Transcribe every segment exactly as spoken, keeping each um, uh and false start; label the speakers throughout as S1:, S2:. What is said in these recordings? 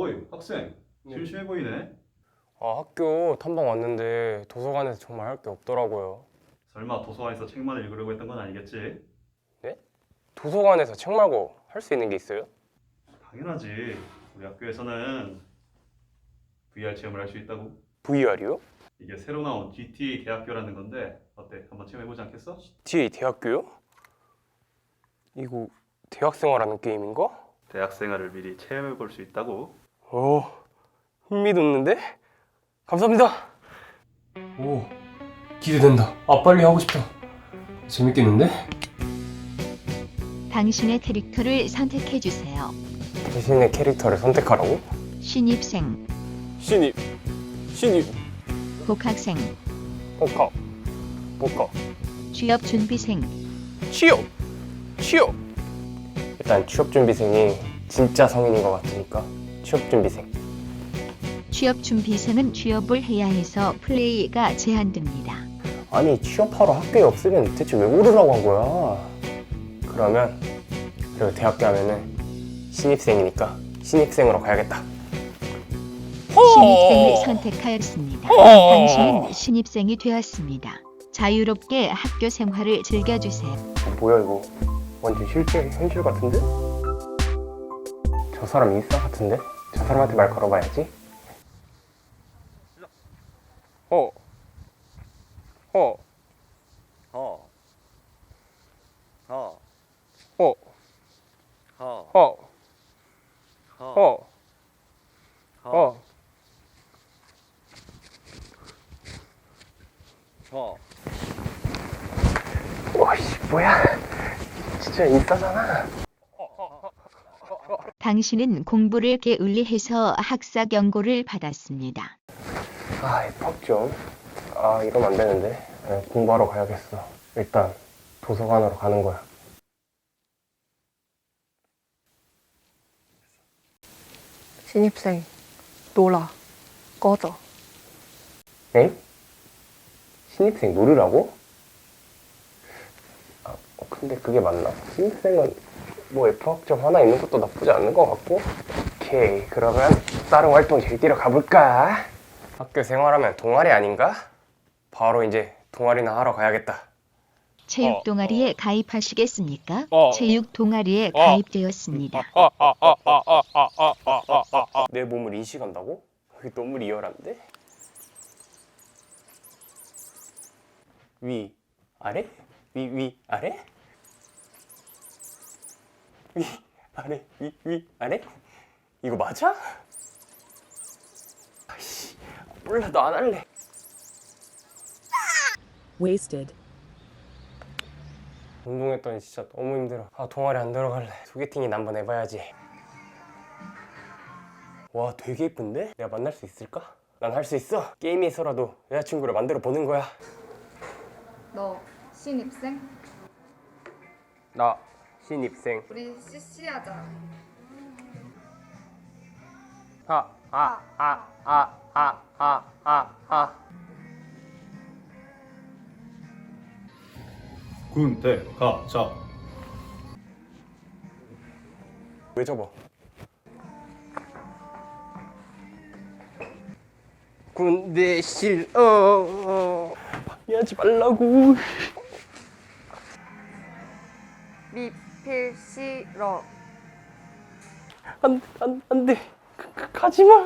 S1: 어이 학생 심심해 보이네.
S2: 아, 학교 탐방 왔는데 도서관에서 정말 할 게 없더라고요.
S1: 설마 도서관에서 책만 읽으려고 했던 건 아니겠지?
S2: 네? 도서관에서 책 말고 할 수 있는 게 있어요?
S1: 당연하지. 우리 학교에서는 브이알 체험을 할 수 있다고.
S2: 브이알이요?
S1: 이게 새로 나온 지티에이 대학교라는 건데 어때? 한번 체험해보지 않겠어?
S2: 뒤에 대학교요? 이거 대학생활하는 게임인가?
S1: 대학 생활을 미리 체험해볼 수 있다고.
S2: 오, 흥미 돋는데? 감사합니다. 오, 기대된다. 아, 빨리 하고 싶다. 재밌겠는데?
S3: 당신의 캐릭터를 선택해 주세요.
S2: 대신의 캐릭터를 선택하라고?
S3: 신입생,
S2: 신입, 신입,
S3: 복학생,
S2: 복학, 복학,
S3: 취업준비생,
S2: 취업, 취업. 일단 취업준비생이 진짜 성인인 것 같으니까 취업준비생.
S3: 취업준비생은 취업을 해야 해서 플레이가 제한됩니다.
S2: 아니, 취업하러 학교에 없으면 대체 왜 오르라고 한 거야? 그러면 그리고 대학교 하면은 신입생이니까 신입생으로 가야겠다.
S3: 신입생을 선택하였습니다. 당신은 신입생이 되었습니다. 자유롭게 학교 생활을 즐겨주세요.
S2: 뭐야 이거? 완전 실제 현실 같은데? 저 사람 인싸 같은데? 저 사람한테 말 걸어봐야지. 어. 어.
S4: 어. 어.
S2: 어.
S4: 어.
S2: 어.
S4: 어.
S2: 어. 어.
S4: 어.
S2: 와씨 뭐야? 진짜 인싸잖아.
S3: 당신은 공부를 게을리해서 학사 경고를 받았습니다.
S2: 아, 퍽 좀. 아, 이러면 안 되는데. 네, 공부하러 가야겠어. 일단 도서관으로 가는 거야.
S5: 신입생, 놀아. 꺼져.
S2: 엥? 신입생 놀으라고? 아, 어, 근데 그게 맞나? 신입생은 뭐 에프 학점 하나 있는 것도 나쁘지 않는 것 같고. 오케이, 그러면 다른 활동 제일 뛰러 가볼까? 학교 생활하면 동아리 아닌가? 바로 이제 동아리나 하러 가야겠다.
S3: 체육
S2: 어,
S3: 동아리에 가입하시겠습니까?
S2: 어.
S3: 체육 동아리에
S2: 어.
S3: 가입되었습니다.
S2: 내 몸을 인식한다고? 그게 너무 리얼한데? 위, 아래? 위, 위, 아래? 위, 아래, 위, 위, 아래? 이거 맞아? 아이씨, 몰라, 너 안 할래.
S5: Wasted.
S2: 운동했더니 진짜 너무 힘들어. 아, 동아리 안 들어갈래. 소개팅이나 한번 해봐야지. 와, 되게 예쁜데? 내가 만날 수 있을까? 난 할 수 있어. 게임에서라도 여자친구를 만들어 보는 거야.
S6: 너 신입생?
S2: 나 신입생.
S6: 우리 씨씨 하자.
S2: 아, 아, 아, 아, 아, 아, 아, 아.
S1: 군대 가자.
S2: 왜 접어? 군대 싫어. 방해하지 말라고.
S6: 미필 싫어.
S2: 안, 안, 안 돼. 가, 가, 가지 마.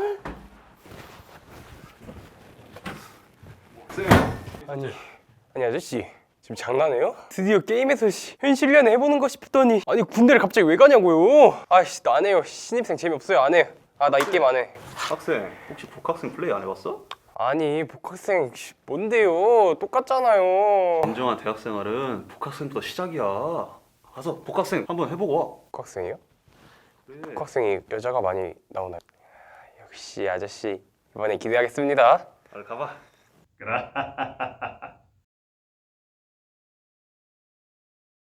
S1: 학생.
S2: 아니, 아니 아저씨. 지금 장난해요? 드디어 게임에서 시, 현실 연애 해보는 거 싶더니 아니 군대를 갑자기 왜 가냐고요? 아이씨 나 안 해요. 신입생 재미없어요. 안 해. 아 나 이 게임 안 해.
S1: 학생 혹시 복학생 플레이 안 해봤어?
S2: 아니 복학생 씨, 뭔데요? 똑같잖아요.
S1: 진정한 대학 생활은 복학생부터 시작이야. 가서 복학생 한번 해보고 와.
S2: 복학생이요?
S1: 그래.
S2: 복학생이 여자가 많이 나오나요? 아, 역시 아저씨 이번에 기대하겠습니다.
S1: 빨리 가봐. 그래.